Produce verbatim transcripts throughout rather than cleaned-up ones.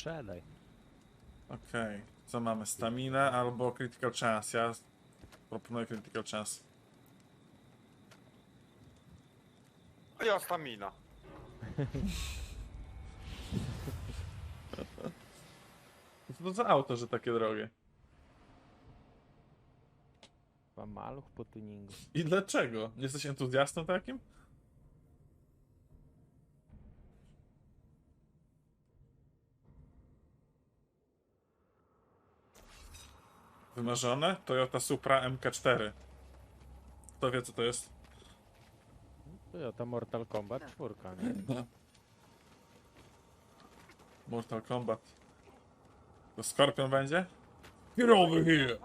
Strzelaj. Okej, okay. Co mamy? Stamina albo critical chance? Ja proponuję critical chance. A ja stamina. Co to za auto, że takie drogie? Chyba maluch po tuningu. I dlaczego? Jesteś entuzjastą takim? Wymarzone? Toyota Supra M K cztery. Kto wie, co to jest? Toyota Mortal Kombat czwórka, nie? Mortal Kombat. To Scorpion będzie? Get over here!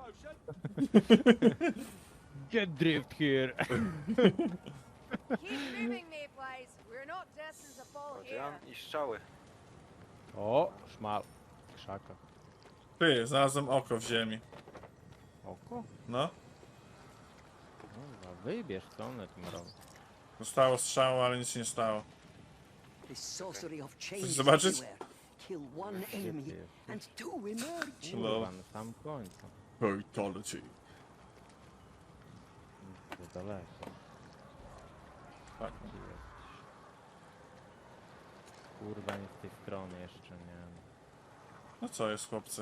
Get drift here! Keep moving, Mayflies. We're not destined to fall here. Chodzian i strzały. O, szmal. Krzaka. Ty, znalazłem oko w ziemi. Oko? No. No, wybierz, co one tym robią. Zostało strzału, ale nic się nie stało. This sorcery of change Chcesz is zobaczyć? everywhere. Kill one enemy and two emerge. No. Kurwa, na sam końcu. Fatality. To daleko. Tak. Gdzie jesteś? Kurwa, nie z tej strony jeszcze, nie. No co jest, chłopcy?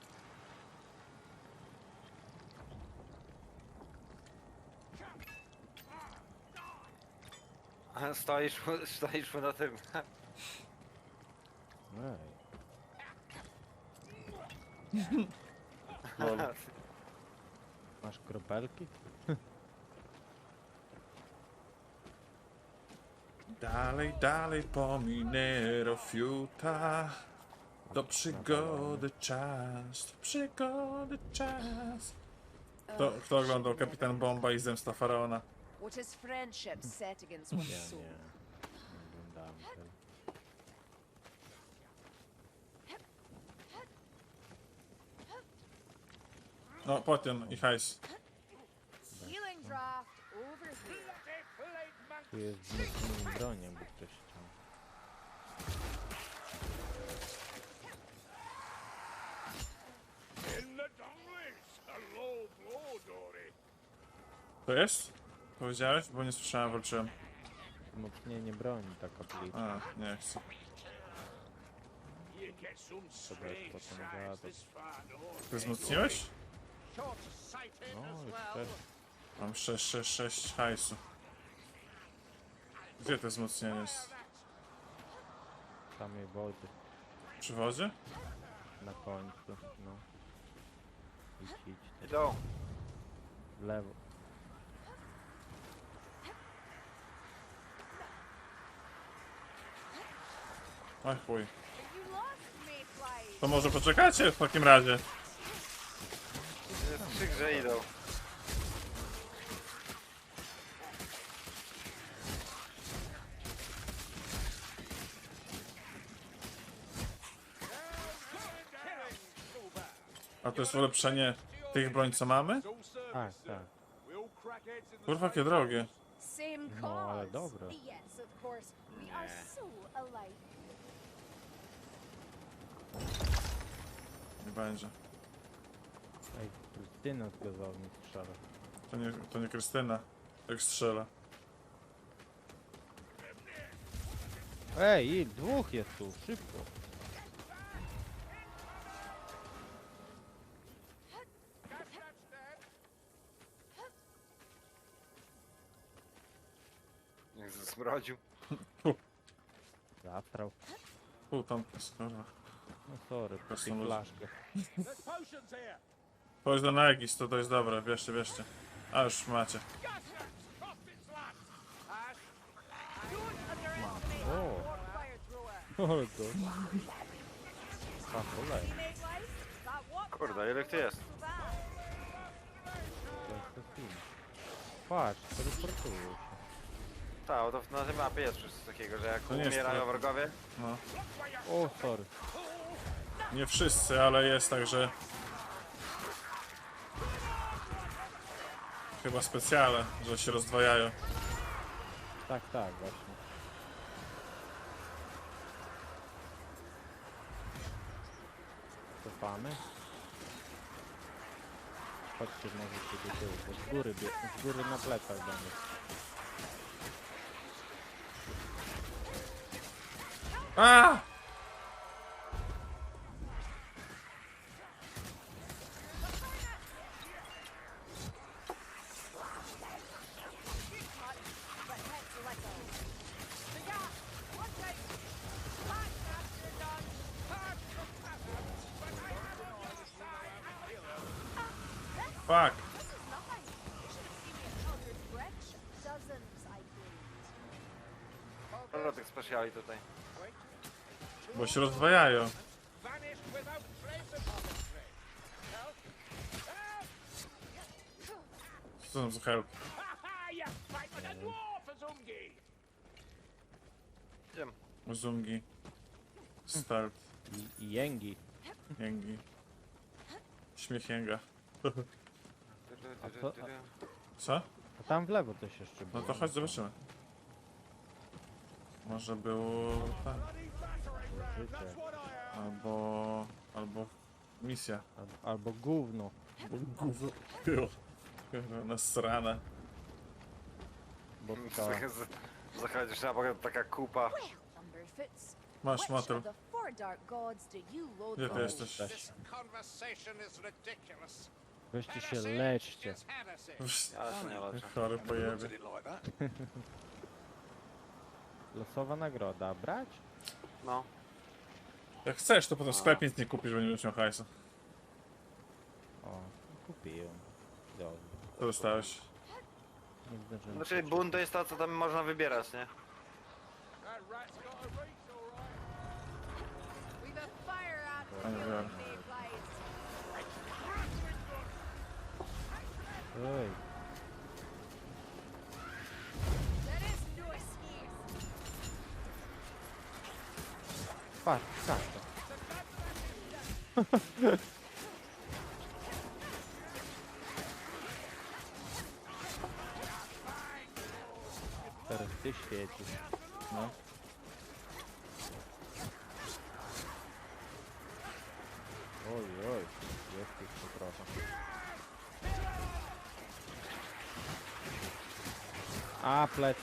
A stoisz, stoisz na tym. Ej. Lol. Masz kropelki? Dalej, dalej po Minero Fiuta. Do przygody czas, do przygody czas. Kto, kto oglądał Kapitan Bomba i Zemsta Faraona? What is friendship set against one's Ja soul? nie. Nie oglądałem tego. No, potion i hajs. Healing draft over here. Tu jest wzmocnienie broni, jakby ktoś chciał. To jest? Powiedziałeś? Bo nie słyszałem, walczyłem. Wzmocnienie broni, taka plica. A, nie chcę. To jest potem gadać. Ty wzmocniłeś? No, jeszcze. Mam sześć, sześć, sześć hajsu. Gdzie to wzmocnienie jest? Samej wody. Przy wodzie? Na końcu, no. Idź, idź. Idą. W lewo. Oj chuj. You lost, Mayflies. To może poczekacie w takim razie? Jest przy grze idą. A to jest ulepszenie tych broń, co mamy? Tak, tak. Kurwa, jakie drogie. Same No, ale cause. dobre. Yes, of course. We are so alike. Nie będzie. Ej, Krystyna z gazowni strzela. To nie, to nie Krystyna. Jak strzela. Ej, dwóch jest tu, szybko. Niech zmrodził. Zatrał. Pół tam jest, kurwa. No sorry, po Zresztą tej ludzie- flaszkę. Chodź do Negis, to to jest dobre, bierzcie, bierzcie. A już macie. O, Fire thrower. ale to... Pa, kolej. See, Mayflies? That what? Kurde, ile tu jest? Bad. To jest to film. Patrz, teleportują się. Tak, to na tej mapie jest coś takiego, że jak To nie jest umierają tyle. wrogowie, No. O, sorry. Nie wszyscy, ale jest tak, że... Chyba specjalne, że się rozdwajają. Tak, tak, właśnie. cofamy. Chodźcie może się do tyłu, bo z góry, bie- z góry na plecach będę. A! But head to let go. The gas! One take! Back after done! Hard to cover! But I have on your side and this Fuck! this is nothing. You should have seen me at Children's Bridge. Dozens, I believed. Dobra, tych speciali tutaj. Bo się rozwajają. Vanished without trace upon the train. Help! Help! Co tam za help? Ha ha! You fight with a dwarf, Azungi! Idziemy. Zungi. Start. I, i jęgi. Jęgi. Śmiech jęga. A to- Co? A tam w lewo coś jeszcze No było. to chodź zobaczymy. Może było... tak. Życie. Albo... Albo... Misja. Al, albo gówno. Gówno. Nasrane. Bo to... Zachodzisz na bok, taka kupa. Well, Thunderfoots. Masz Which motyl. of the four dark gods do you loathe Gdzie the ty most? jesteś? This conversation is ridiculous. Weźcie się Heresy leczcie. is heresy. Ja się nie leczę. Chory pojeby. Losowa nagroda. Brać? No. Jak chcesz, to potem w sklepie nic nie kupisz, bo nie będziesz miał hajsu. O, kupiłem. Dobrze. Co dostałeś? Nie zdążyłem. Znaczy bunt to jest to, co tam można wybierać, nie? That rat's got a reach, all right. We've a fire ant I know. killing Mayflies. Ej, There is no excuse. patrz, tak to. Teraz ty świecisz. No. Oj, oj, jest jeszcze trochę. A, plecy.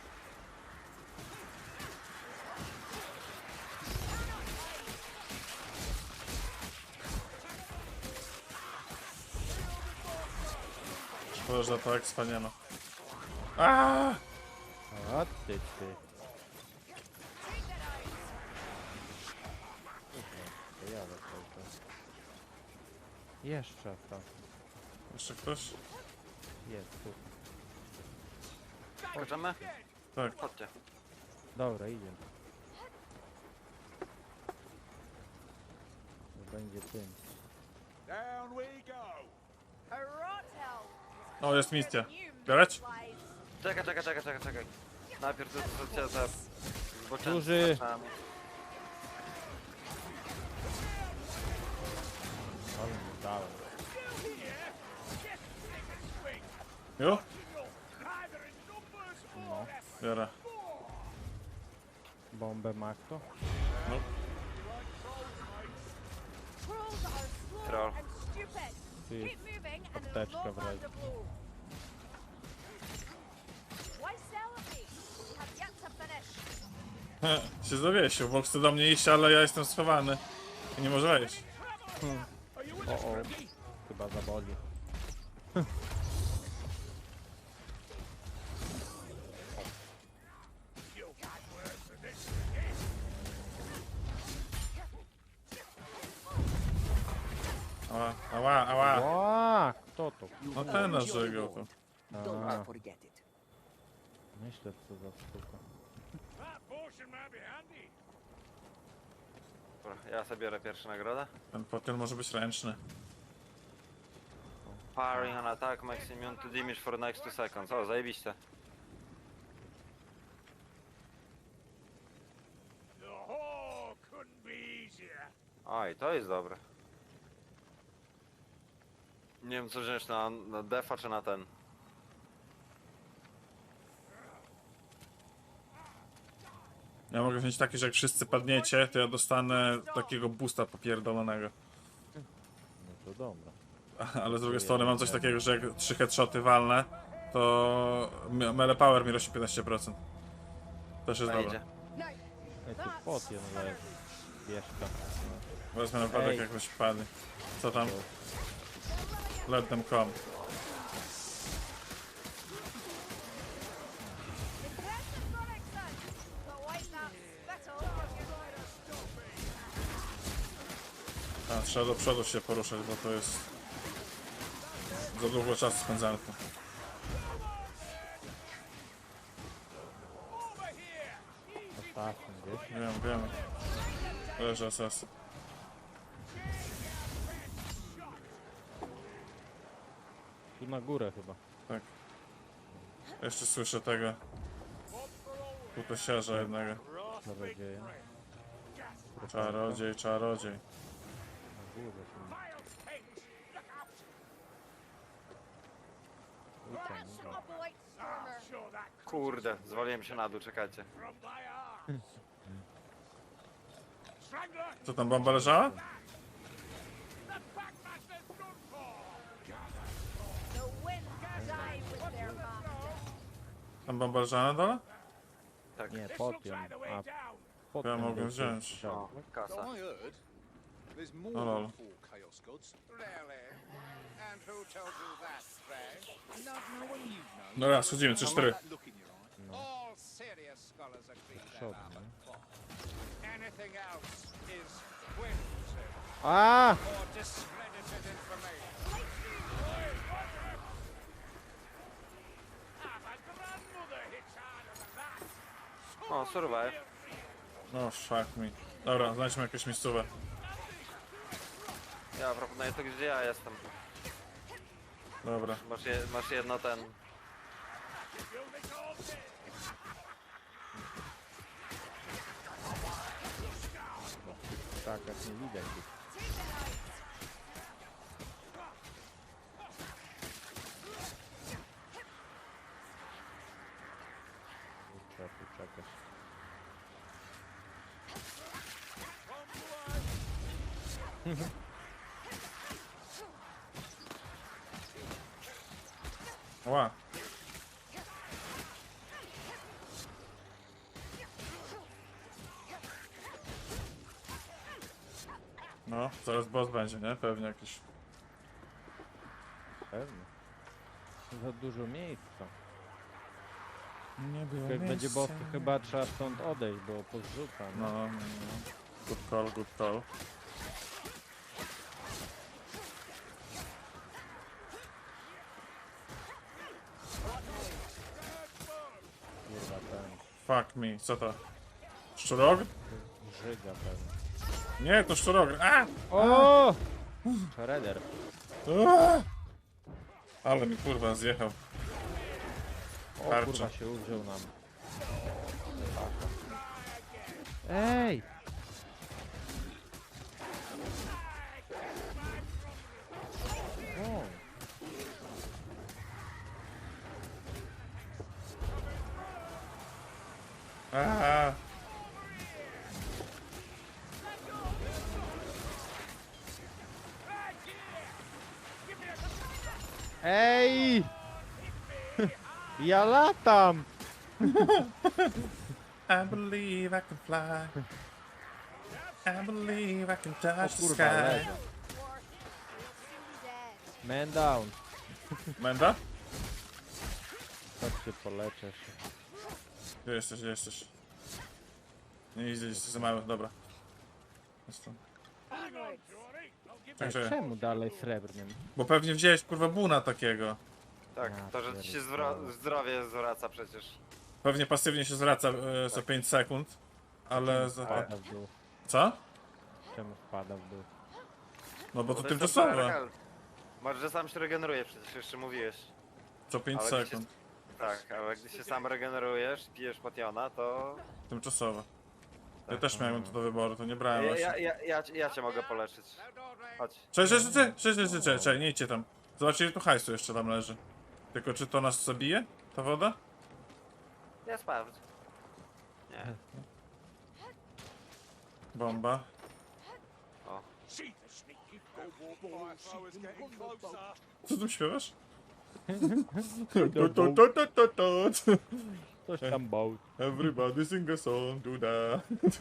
Szkoda, że to expa nie ma. Aaaa! A ty, ty. To ja cały czas. Jeszcze to. Jeszcze ktoś? Jest tu. Skoczymy? Tak. Chodźcie. Dobra, idziemy. To będzie tym. Down we go. A rot hell. O, jest misja. New Bierać? Mayflies. Czekaj, czekaj, czekaj, czekaj, czekaj. Najpierw to to cię za... zboczęcy Duży. zaczynamy. Ale nie dałem. Jo? Either in numbers No. or effort. Biorę. Bombę ma kto? No. Trolls are slow Troll. and stupid. Ty, Keep moving and it'll apteczka no w razie. longer blow. Why celebrate? We have yet to finish. He, się zawiesił, bo chce do mnie iść, ale ja jestem schowany. I nie może wejść. O, o. Chyba zaboli. Ała, ała, ała. Ła, kto to? No ten nas żegał to. Don't A, forget it. myślę, co za sztuka. That potion might be handy. Dobra, ja sobie biorę pierwszą nagrodę. Ten potion może być ręczny. Firing on attack makes immune to damage for next two seconds. O, zajebiście. The whole couldn't be easier. Oj, to jest dobre. Nie wiem co wziąć na, na defa czy na ten. Ja mogę wziąć taki, że jak wszyscy padniecie, to ja dostanę takiego boosta popierdolonego. dobra. Ale z drugiej strony mam coś takiego, że jak trzy headshoty walnę, to me- melee power mi rośnie piętnaście procent. Też jest Wejdzie. dobre. Ej, tu potion leży. Bierzka. Wezmę naprawdę Ej. jak jakoś wpadnie. Co tam? Let them come. Impressive running, son. But wait, that spittle. A, trzeba do przodu się poruszać, bo to jest... Za długo czasu spędzamy tu. Ostatni, wiesz? Wiem, wiem. Leży S S. Tu na górę chyba. Tak. Jeszcze słyszę tego. Putosiarza jednego. Czarodzieja. Czarodziej, czarodziej. Na górę chyba. Uciekł, dobra. Operate Stormer. Kurde, zwaliłem się na dół, czekajcie. Co tam, bomba leżała? The wind die with their master. Tam bomba leżała na dole? Tak. Nie, potion. A To ja potion mogę był wziąć. tu. O, kasa. So I heard there's more Oh, lol. than four Chaos Gods. Really? And who told you that, Stray? No, no one you know. No raz, chodzimy, trzy cztery. That look in your eye. All serious scholars agree that Shot, I'm no. a clock. Anything else is whimsy A! or discredited information. O, survive. No fuck me. Dobra, znajdźmy jakieś miejscówę. Ja proponuję to, gdzie ja jestem. Dobra. Masz, je, masz jedno ten... Tak, jak nie widać. tu. Trzeba tu czekać. Ła. No, zaraz boss będzie, nie? Pewnie jakiś. Pewnie. Za dużo miejsca. Nie było Jak będzie boss, to chyba trzeba stąd odejść, bo pozrzuca. No, No. no, no. Good call, good call. Kurwa, ten Fuck me, co to? Szczurog? żyga pewnie. Nie, to szczurog. A! O! Shredder. A! Ale mi kurwa zjechał. O Tarcza. kurwa się uwziął nam. Ej! O! A! Ej! Ja latam! I believe I can fly. I believe I can O touch the kurwa, sky. leżę. Worth it. We'll soon dead. Man down. Menda? Chodźcie, poleczę się. Gdzie jesteś, gdzie jesteś? Nie idzie, jesteś za mały, dobra. Jestem. Ej, Czekaj, czemu dalej srebrnym? bo pewnie wziąłeś kurwa buna takiego. Tak, Ja to, że ci się pierdolę. zwra- zdrowie zwraca przecież. Pewnie pasywnie się zwraca e, co pięć sekund. Ale za... Wpada w dół. Co? Czemu wpada w dół? No bo to jest tymczasowe. temporary. Masz, że sam się regeneruje, przecież jeszcze mówiłeś. Co pięć Ale gdy sekund. Tak, ale gdy się sam regenerujesz, pijesz potiona, to... Tymczasowe. Ja też miałem to do wyboru, to nie brałem Ja, właśnie. ja, ja, ja, cię- ja cię mogę poleczyć. Chodź. Cześć, cześć, cześć, cześć, cześć, cześć, cześć, nie idźcie tam. Zobaczcie, ile tu hajsu jeszcze tam leży. Tylko czy to nas zabije? Ta woda? Ja sprawdź. Nie. Bomba. O, See the sneaky ball throwers getting closer. Co tu śpiewasz? The Tu, tu, tu, tu, tu, tu. Coś tam boat. Everybody sing a song to that.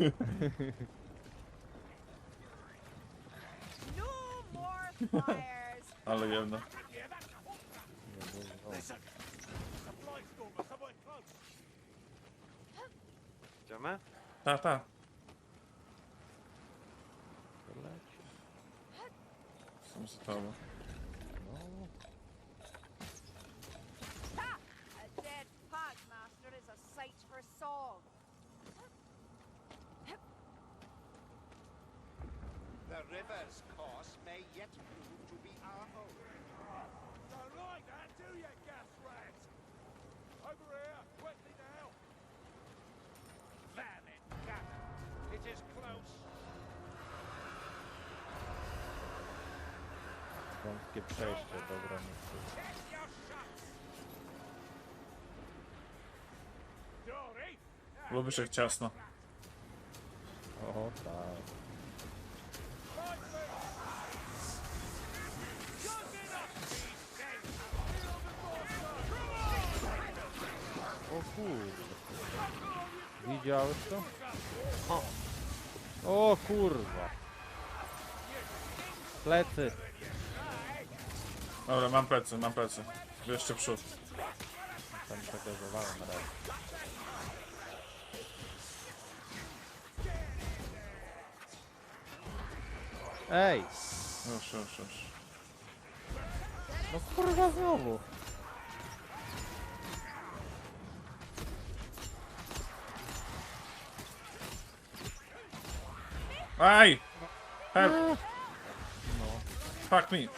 No more fires. Ale jedna. Yeah, that's a hawker. Nie było. Listen, a blind stormer somewhere close. Idziemy? Ta, ta. To leci. Są za tobą. No. Ha! A dead Pagmaster is a sight for song. The river's course may yet prove to be our home. Don't like that, do you, gas rat? Over here, quickly now. Damn it, Captain. It is close. Wąskie przejście do granicy. Check your shots. Dory. Lubisz jak ciasno. O tak. O kurde. Widziałeś to? O, o kurwa. Plecy. Dobra, mam plecy, mam plecy. Jeszcze przód. Tam przegazowałem na razie. Ej! Już, już, już. No kurwa znowu. Aj! Help! No. Fuck me!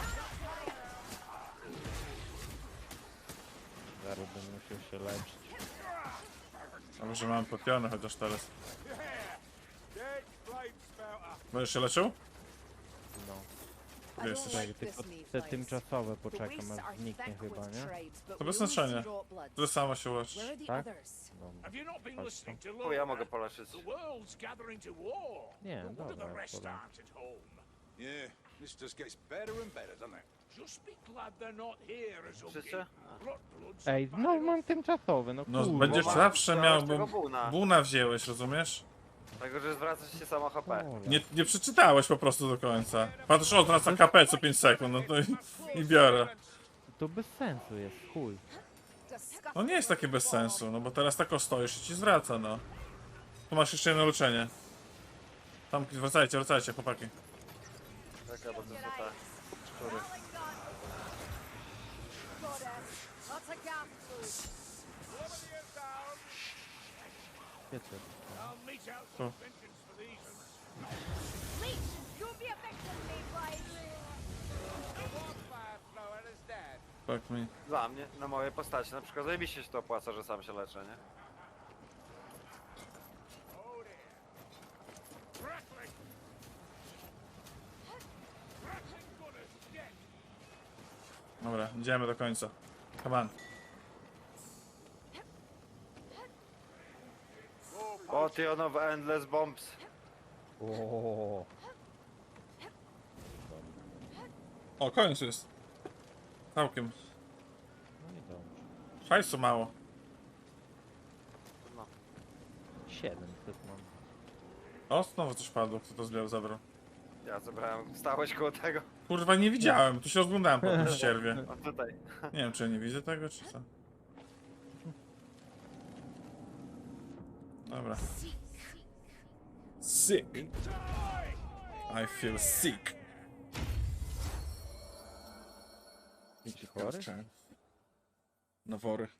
Zaraz będę musiał się leczyć. Dobrze, mam popiony chociaż teraz. Dead flame spouter. Będziesz się leczył? No. Gdzie jesteś? Tak, tylko te tymczasowe poczekam aż zniknie chyba, nie? To bez znaczenia. Ty sama się leczysz. Tak? No. Have you not been Patrz listening to O, Lorna? ja mogę poleczyć. The world's gathering to war. Nie, But what do dobra, the rest powiem. aren't at home? Yeah, this just gets better and better, doesn't it? Just be glad they're not here as a Wszyscy? Ej, no mam tymczasowy, no No kurwa. będziesz ma- zawsze dałeś miał, tego bo buna. buna wzięłeś, rozumiesz? Tego, że zwracasz się samo H P. Ole. Nie, nie przeczytałeś po prostu do końca. Patrz, o, teraz K P co pięć sekund, no to i, i biorę. To bez sensu jest, chuj. No nie jest takie bez sensu, no bo teraz tak o stoisz i ci zwraca, no. Tu masz jeszcze jedno leczenie. Tam, wracajcie, wracajcie, chłopaki. Czekaj, bo to są te szczury. Lots of gas food. Wiecie. I'll mete out Oh. some vengeance for these ones. Leech, you'll be a victim, Mayfly. The wildfire flower is dead. Fuck me. Dla mnie, na mojej postaci na przykład zajebiście się to opłaca, że sam się leczę, nie? Oh dear. Crackling. Crackling gunners dead. Dobra, idziemy do końca. Come on. Potion of Endless Bombs. O. O, koniec jest. Całkiem. No i dobrze. Hajsu mało. No. siedemset mam. O, znowu coś padło, kto to zbiał, zabrał. Ja zebrałem, stałeś koło tego. Kurwa, nie widziałem, tu się rozglądałem po tym ścierwie. O tutaj. Nie wiem, czy ja nie widzę tego, czy co. Dobra. Sick. I feel sick. Idź chory? Nawory.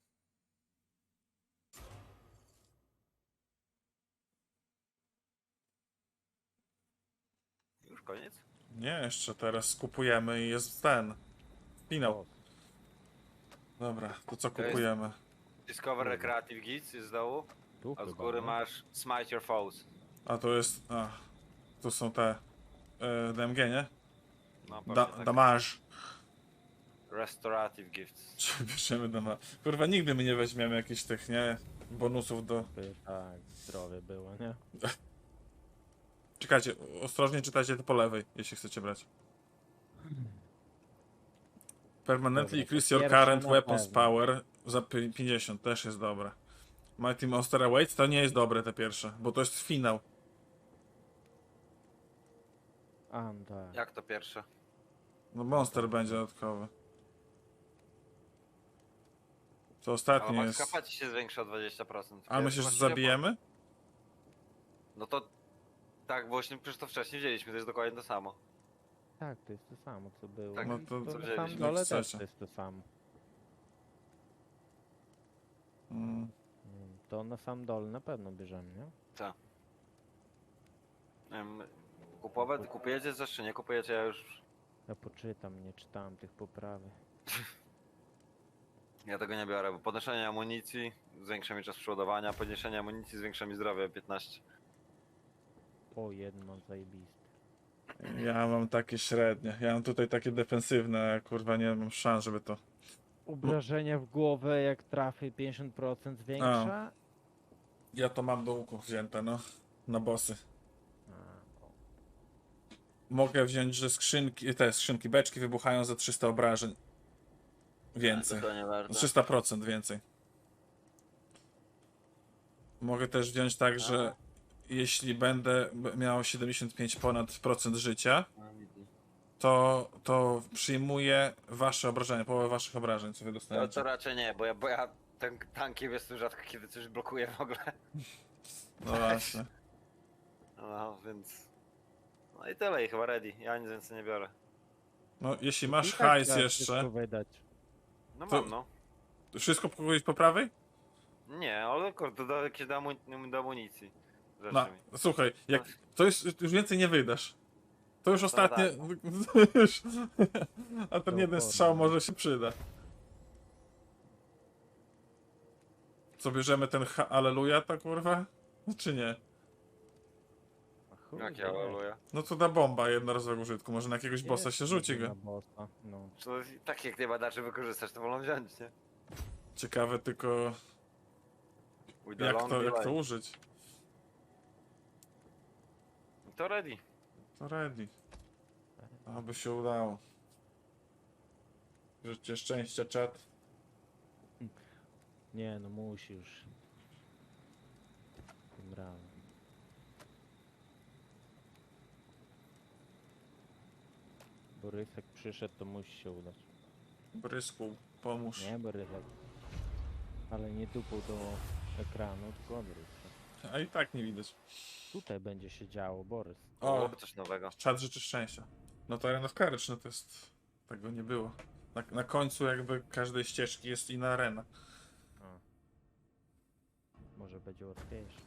Już koniec? Nie, jeszcze teraz skupujemy i jest ten. Finał. Dobra, to co To jest- kupujemy? Discover Recreative Guides jest z dołu, Tu a z chyba, góry no. masz Smite Your Foes. A to jest... A, tu są te... E, D M G, nie? No, Da, pewnie tak. damage. Restorative Gifts. Czy bierzemy damage? Kurwa, nigdy my nie weźmiemy jakichś tych, nie? Bonusów do... By, tak, zdrowie było, nie? Czekajcie, ostrożnie czytajcie to po lewej, jeśli chcecie brać. Permanently Dobra, increase to your pierwsze current na weapons pewno. power za pi- pięćdziesiąt, też jest dobre. Mighty Monster Awaits to nie jest dobre te pierwsze, bo to jest finał. A, no tak. Jak to pierwsze? No Monster będzie dodatkowy. To Ale ostatnie max jest... kapa ci się zwiększa o dwadzieścia procent. Ale myślisz, że zabijemy? No to... Tak, właśnie przecież to wcześniej wzięliśmy, to jest dokładnie to samo. Tak, to jest to samo co było. Tak, No I to- to co na wzięliśmy. samym dole Jak też chcecie. to jest to samo. Mm. Mm, To na sam dole na pewno bierzemy, nie? Em, Kupować, kupujecie coś czy nie kupujecie? Ja już... Ja poczytam, nie czytałem tych poprawy. Ja tego nie biorę, bo podnoszenie amunicji zwiększa mi czas przeładowania, podniesienie amunicji zwiększa mi zdrowie o piętnaście. O, jeden mam zajebisty. Ja mam takie średnie. Ja mam tutaj takie defensywne, a kurwa nie mam szans, żeby to... Obrażenia w głowę, jak trafię pięćdziesiąt procent zwiększa. Ja to mam do łuku wzięte, no. Na bossy. A, o. Mogę wziąć, że skrzynki, te skrzynki, beczki wybuchają za trzysta obrażeń. Więcej. To nie warto. trzysta procent więcej. Mogę też wziąć tak, że jeśli będę b- miał siedemdziesiąt pięć ponad procent życia, to, to przyjmuję wasze obrażenia, połowę waszych obrażeń, co wy To, dostaniecie. to raczej nie, bo ja, bo ja ten tankiem jest tu rzadko kiedy coś blokuje w ogóle. No właśnie. No więc... No i tyle i chyba ready, ja nic więcej nie biorę. No, jeśli I masz tak hajs trzeba jeszcze, wszystko wydać. No To- mam no. wszystko pokoić po prawej? Nie, ale kurde, do, jakieś do, amu- do amunicji. Rzeczy No, mi. słuchaj, jak to jest, już więcej nie wydasz. To już No ostatnie. Już, a ten To jeden porno. strzał może się przyda. Co bierzemy ten ha Aleluja, ta kurwa? Czy nie? A chuj Jak wie. ja waluję. No to da bomba jednorazowego użytku, może na jakiegoś bossa Jest się rzuci na go. bossa, no. To tak jak nie badaczy wykorzystać, to wolą wziąć, nie? Ciekawe tylko With the jak long to, jak delay. to użyć. To ready. To ready. Aby się udało. Życzcie szczęścia, czat. Nie, no musi już. Tym razem. Borysek przyszedł, to musi się udać. Brysku, pomóż. Nie Borysek. Ale nie tupał do ekranu, tylko Borysek. A i tak nie widać. Tutaj będzie się działo, Borys. O, Byłoby coś nowego. czat życzy szczęścia. No to Arena of Courage, no to jest... Tego nie było. Na, na końcu jakby każdej ścieżki jest inna arena. A. Może będzie łatwiejsze.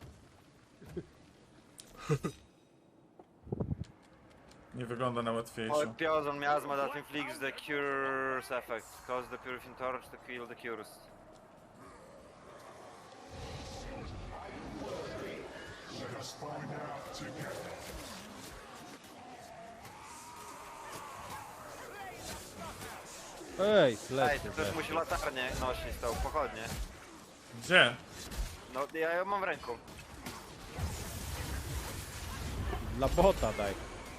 Nie wygląda na łatwiejszą. Piozon miasma that inflicts the cure's effect. Cause the purifying torch to kill the cures. Ej, Ej, lecę. to ktoś musi latarnię nosić, tą pochodnie. Gdzie? No ja ją mam w ręku. Dla bota daj.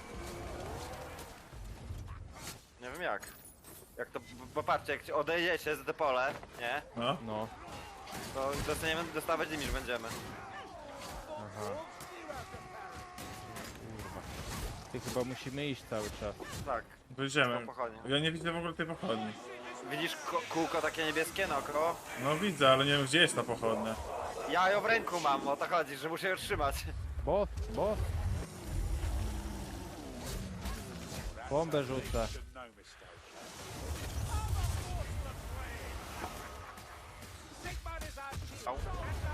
Nie wiem jak. Jak to, bo patrzcie, jak ci odejdziecie z depole, nie? No. No. To dostaniemy, dostawać damage będziemy. Aha. Kurwa. Ty chyba musimy iść cały czas. Tak, Wyjdziemy. tą pochodnię. Ja nie widzę w ogóle tej pochodni. Widzisz ko- kółko takie niebieskie naokoło? No widzę, ale nie wiem gdzie jest ta pochodnia. Ja ją w ręku mam, o to chodzi, że muszę ją trzymać. Boss, boss. Bombę rzucę. No mistake. Sigmar is our chief. Au.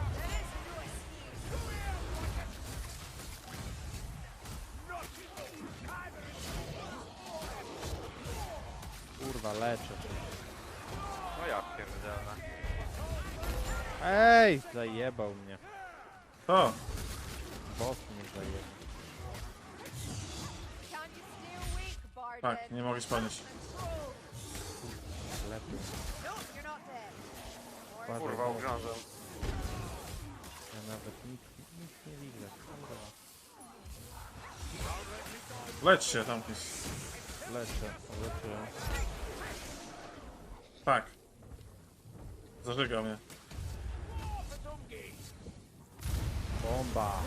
Kurwa, leczę. No ja pierdzielę. Ej! Zajebał mnie. To! Boss mnie zajebał. Can't you stay awake, Barden? Tak, nie mogę podnieść. Lepiej. No, you're not dead. Ładnie, Kurwa, boss. ugrążam. Ja nawet nic, nic nie widzę. Kurwa. Lecz się tam jest. Lecę, lecę. Tak. Zażyga mnie. Bomba.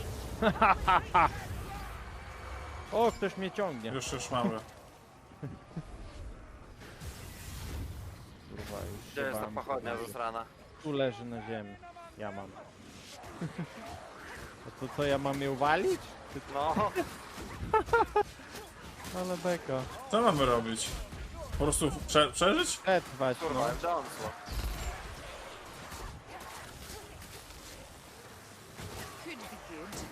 O, ktoś mnie ciągnie. Już, już mam go. Kurwa, już Gdzie jest ta mam pochodnia tego. zasrana? Tu leży na ziemi. Ja mam. A to co, ja mam ją walić? No, Ale beka. Co mamy robić? Po prostu prze przeżyć? Przetrwać, no. kurwa, Jonesło. Could be good.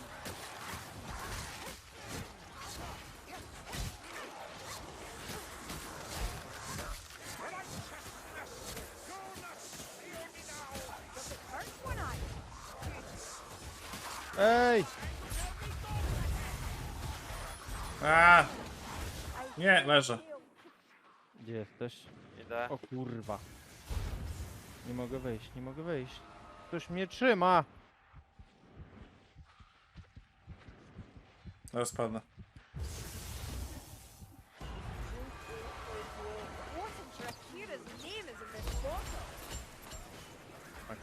First one on. Ej! A, nie, leżę. Gdzie jesteś? Idę. O kurwa. Nie mogę wyjść, nie mogę wyjść. Ktoś mnie trzyma! Zaraz padnę. Wasn't Drakira's name is in this bottle. Tak,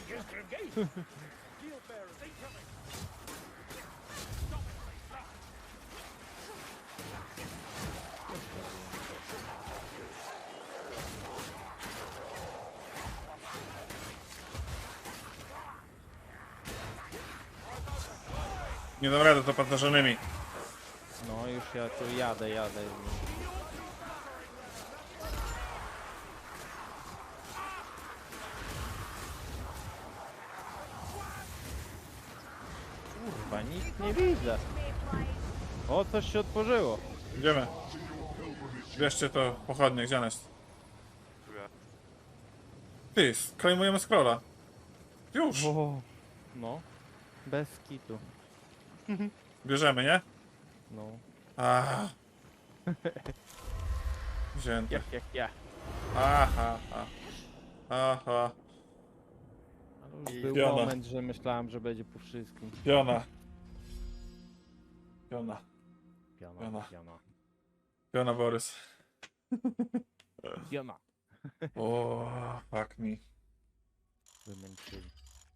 Nie dam rady to pancerzonymi. no już ja tu jadę, jadę. Kurwa, nic nie widzę. O, coś się otworzyło. Idziemy. Bierzcie to pochodnie, gdzie ona jest? Ty, klejmujemy scrolla. Już. O, no. Bez kitu. Bierzemy, nie? No. Aha. Wzięte. Jak, jak, ja. Aha, aha. Aha. Ale już był Piona. moment, że myślałem, że będzie po wszystkim. Piona. Piona. Piona, Piona. piona, Piona Borys. piona. O, fuck me. Wymęczyli.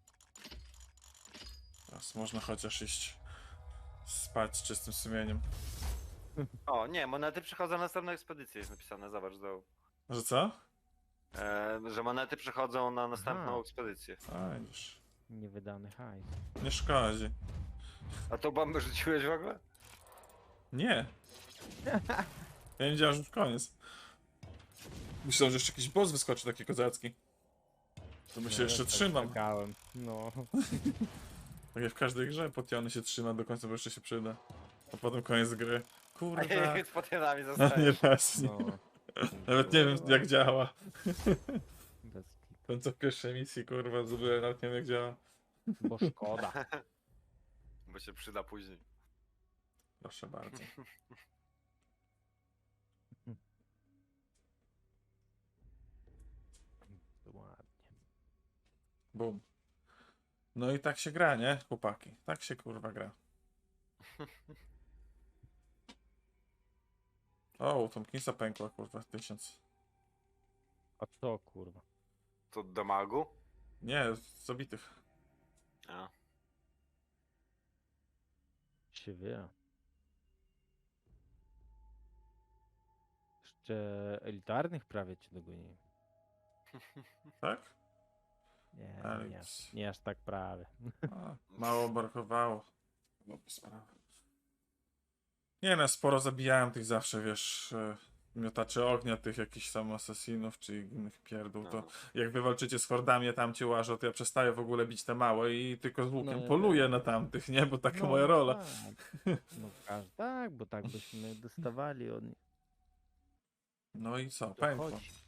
Teraz można chociaż iść spać z czystym sumieniem. O, nie, monety przychodzą na następną ekspedycję, jest napisane, zobacz, do, Że co? e, że monety przychodzą na następną Aha. ekspedycję. A, już. Niewydany hajs. Nie szkodzi. A tą bombę rzuciłeś w ogóle? Nie. Ja nie wiedziałem, że już koniec. Myślałem, że jeszcze jakiś boss wyskoczy taki kozacki. To my się No, jeszcze tak trzymam. czekałem. No. Tak jak w każdej grze, potiony się trzyma do końca, bo jeszcze się przyda. A potem koniec gry. Kurwa. Z potienami A nie zostajesz. raz. Nie. No. Nawet nie wiem jak działa. Bez kitu. Ten co w pierwszej misji, kurwa, zrobiłem, nawet nie wiem jak działa. Bo szkoda. Bo się przyda później. Proszę bardzo. Ładnie. Bum. No i tak się gra, nie? Chłopaki. Tak się kurwa gra. O, Tomkinsa pękła, kurwa, tysiąc. A co kurwa? To do magu? Nie, z zabitych. A. Się wie. Jeszcze elitarnych prawie cię dogonili. Tak? Nie, Ale nie, nic. nie aż tak prawie. A, mało brakowało. Byłoby sprawa. Nie no, sporo zabijałem tych zawsze, wiesz, e, miotaczy ognia, tych jakichś tam asesinów, czy innych pierdół, to No. jak wy walczycie z hordami, a tam cię łażą, to ja przestaję w ogóle bić te małe i tylko z łukiem No, poluję na tamtych, nie? Bo taka moja rola. Tak. No każ, tak, bo tak byśmy dostawali od nich. No i co, To pękło. chodź.